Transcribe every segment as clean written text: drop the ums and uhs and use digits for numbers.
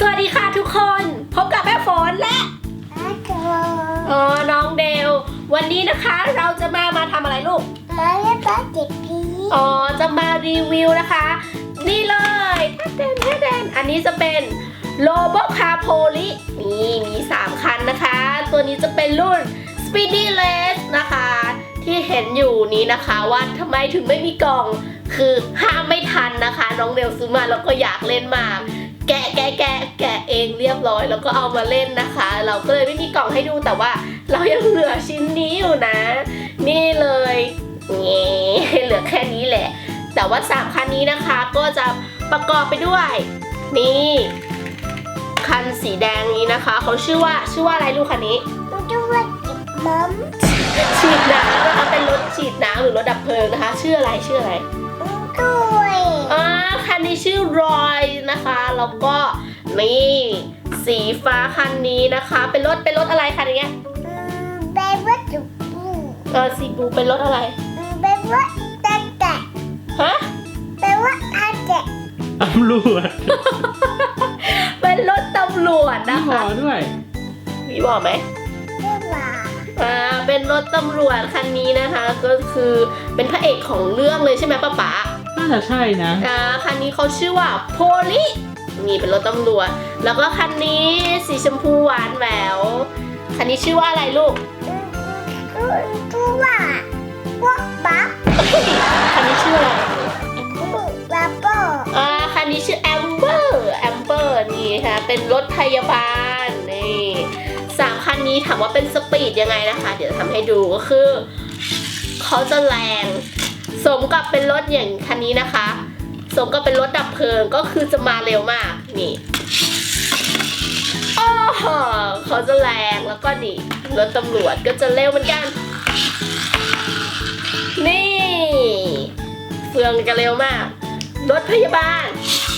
วัสดีค่ะทุกคนพบกับแม่ฝนและน้องเดลวันนี้นะคะเราจะมาทำอะไรลูกมาเล่นบาสเกตพีจะมารีวิวนะคะนี่เลยท่าแดนอันนี้จะเป็นโลโบคาโพลินี่มี3คันนะคะตัวนี้จะเป็นรุ่น Speedy Race นะคะที่เห็นอยู่นี้นะคะว่าทำไมถึงไม่มีกล่องคือห้ามไม่ทันนะคะน้องเดลซื้อมาแล้วก็อยากเล่นมากแกะเองเรียบร้อยแล้วก็เอามาเล่นนะคะเราก็เลยไม่มีกล่องให้ดูแต่ว่าเรายังเหลือชิ้นนี้อยู่นะนี่เลยนี่เหลือแค่นี้แหละแต่ว่า3คันนี้นะคะก็จะประกอบไปด้วยนี่คันสีแดงนี้นะคะเขาชื่อว่าอะไรลูกคันนี้ชื่อว่าจิบมัมฉีดน้ำนะคะเป็นรถฉีดน้ำหรือรถดับเพลิงนะคะชื่ออะไรด้วยคันนี้ชื่อรอยนะคะแล้วก็นี่สีฟ้าคันนี้นะคะเป็นรถอะไรคันนี้เบบี้จุ๊บสีบลูเป็นรถอะไรเบบี้ตาแกะฮะเบบี้ตาแกะตำรวจเป็นรถตำรวจนะคะมีหมอด้วยมีบอกไหมไม่ว่าเป็นรถตำรวจคันนี้นะคะก็คือเป็นพระเอกของเรื่องเลยใช่ไหมป๊าน่าจะใช่นะคันนี้เขาชื่อว่าโพลินี่เป็นรถตำรวจแล้วก็คันนี้สีชมพูหวานแหววคันนี้ชื่อว่าอะไรลูกชื่อว่าพวกปั๊บคันนี้ชื่ออะไรบับเบิ้ลคันนี้ชื่อแอมเบอร์นี่ค่ะเป็นรถพยาบาลนี่3คันนี้ถามว่าเป็นสปีดยังไงนะคะเดี๋ยวทำให้ดูก็คือเขาจะแรงสมกับเป็นรถอย่างคันนี้นะคะสมกับเป็นรถดับเพลิงก็คือจะมาเร็วมากนี่เขาจะแรงแล้วก็นี่รถตำรวจก็จะเร็วเหมือนกันนี่เฟืองจะเร็วมากรถพยาบาล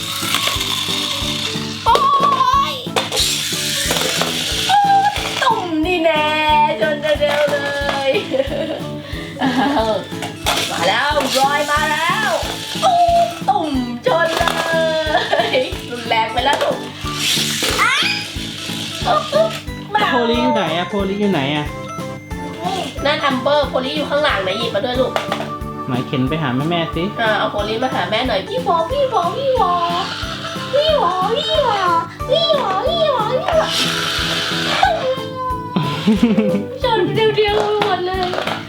โอ้ยตุ่มนี่แน่จนจะเร็วเลยมาแล้วรอยมาแล้วตุ่มชนเลยรุนแรงไปแล้วลูกโพลีอยู่ไหนอะโพลีอยู่ไหนอะนั่นแอมเบอร์โพลีอยู่ข้างหลังนะหยิบมาด้วยลูกหมายเข็นไปหาแม่สิเอาโพลีมาหาแม่หน่อยพี่วอชนเดียวหมดเลย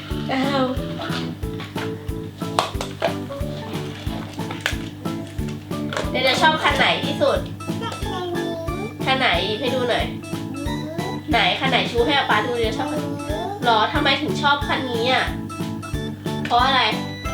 เดี๋ยวจะชอบคันไหนที่สุดคันไหนให้ดูหน่อยไหนคันไหนชูให้อาป๊าดูเดี๋ยวชอบหรอทำไมถึงชอบคันนี้อ่ะเพราะอะไร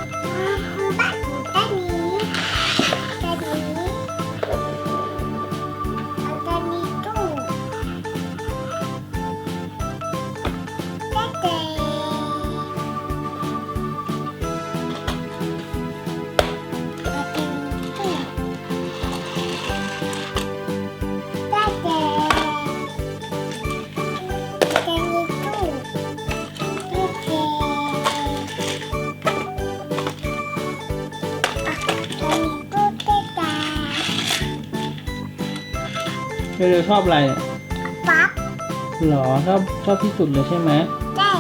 เดี๋ยวชอบอะไรปั๊บหรอชอบที่สุดเลยใช่ไหมใช่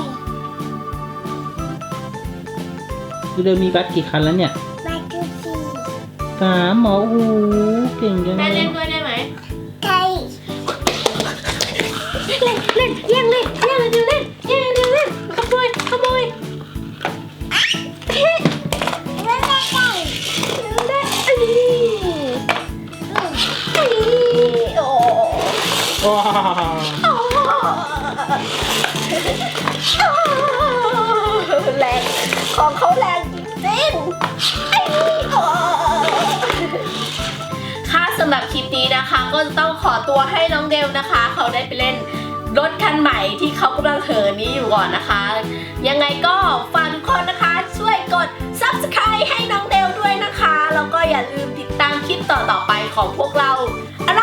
เดี๋ยวมีบัสกี่คันแล้วเนี่ยบัสคือ 3หมอเก่งจังแม่เล่นด้วยได้ไหมใช่เล่นขโมยว้าวแรงของเขาแรงจริงค่ะสำหรับคลิปนี้นะคะก็จะต้องขอตัวให้น้องเดลนะคะเขาได้ไปเล่นรถคันใหม่ที่เขากำลังเหินนี้อยู่ก่อนนะคะยังไงก็ฝากทุกคนนะคะช่วยกด Subscribe ให้น้องเดลด้วยนะคะแล้วก็อย่าลืมติดตามคลิปต่อไปของพวกเราอะไร